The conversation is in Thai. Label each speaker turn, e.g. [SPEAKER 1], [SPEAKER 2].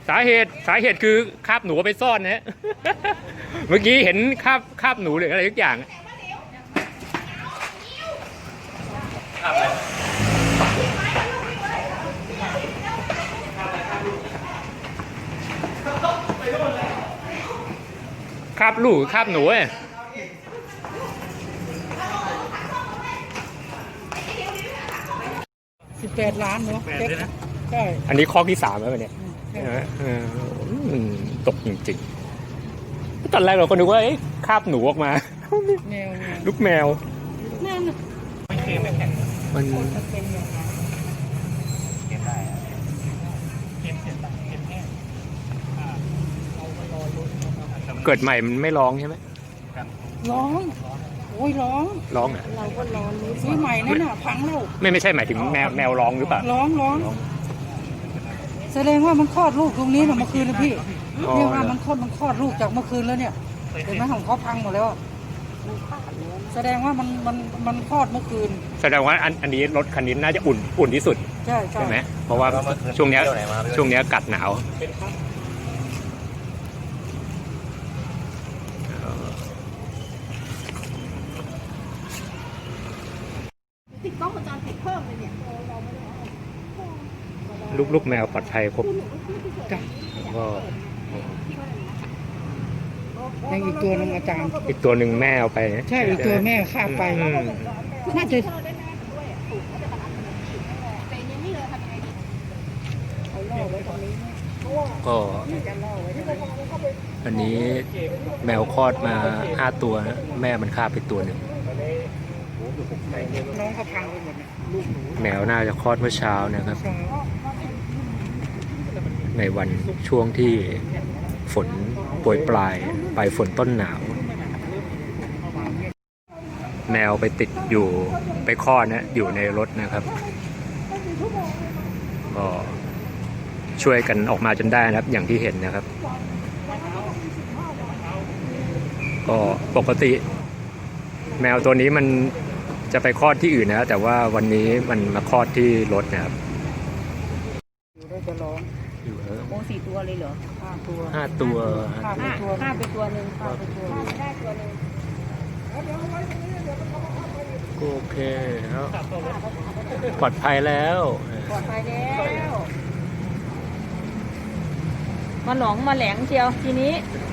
[SPEAKER 1] สาเหตุคือคาบหนูไปซ่อนนะเมื่อกี้เห็นคาบหนูหรืออะไรทุกอย่างคาบอะไรคาบลูกคาบหนู
[SPEAKER 2] 18 ล้านเนาะใช่
[SPEAKER 1] อันนี้ข้อที่3แล้วเนี่ยตกจริงๆตอนแรกเราก็นึกว่าคาบหนูออกมา
[SPEAKER 2] แมว
[SPEAKER 1] ลูกแมว
[SPEAKER 2] นั่น
[SPEAKER 1] ไม่เคยไม่แข็งมัน
[SPEAKER 2] เป็นยังไง
[SPEAKER 1] เก็บได้เก็บแห้งเกิดใหม่มันไม่ร้องใช่ไหม
[SPEAKER 2] ร้องโอ้ยร้อง
[SPEAKER 1] อ่ะ
[SPEAKER 2] เราก็ร้องซื้อใหม่นั่นน่ะพังแล้ว
[SPEAKER 1] ไม่ใช่หมายถึงแมวร้องหรือเปล่า
[SPEAKER 2] ร้องแสดงว่ามันคลอดลูกตรงนี้นะเมื่อคืนนะพี่เนี่ยว่ามันคลอดลูกจากเมื่อคืนแล้วเนี่ยเห็นไหมของเขาพังหมดแล้วแสดงว่ามันคลอดเมื่อคืน
[SPEAKER 1] แสดงว่าอันนี้รถคันนี้น่าจะอุ่นที่สุดใช่ไหมเพราะว่าช่วงนี้กัดหนาว
[SPEAKER 3] ติดกล้องวงจรปิดเพิ่มเลยเนี่ย
[SPEAKER 1] ลูกแมวปลอดภัยครบก็
[SPEAKER 2] ยังอีกตัวนึงอาจารย์
[SPEAKER 1] อีกตัวหนึ่งแม่เอาไป
[SPEAKER 2] ใช่อีกตัวแม่ฆ่าไปน่าจะ
[SPEAKER 1] ก็อันนี้แมวคลอดมา5 ตัวแม่มันฆ่าไปตัวหนึ่ง
[SPEAKER 2] น้องเขาพังไปหมด
[SPEAKER 1] แมวน่าจะคลอดเมื่อเช้านะครับในวันช่วงที่ฝนโปรยปลายปลายฝนต้นหนาวแมวไปติดอยู่ไปคลอดนะอยู่ในรถนะครับก็ช่วยกันออกมาจนได้นะครับอย่างที่เห็นนะครับก็ปกติแมวตัวนี้มันจะไปคลอดที่อื่นนะแต่ว่าวันนี้มันมาคลอดที่รถนะครับ
[SPEAKER 2] อยู่ได้จะร้อง
[SPEAKER 1] อยู่
[SPEAKER 3] โอ้4 ตัวเลยเหรอ
[SPEAKER 1] 5 ตัว
[SPEAKER 3] ฆ่าไปตัวหนึ่งฆ่าไปตัวได้ตัวหนึ่ง
[SPEAKER 1] โอเคแล้วปลอดภัยแล้ว
[SPEAKER 3] มาหลงมาแหลงเชียวทีนี้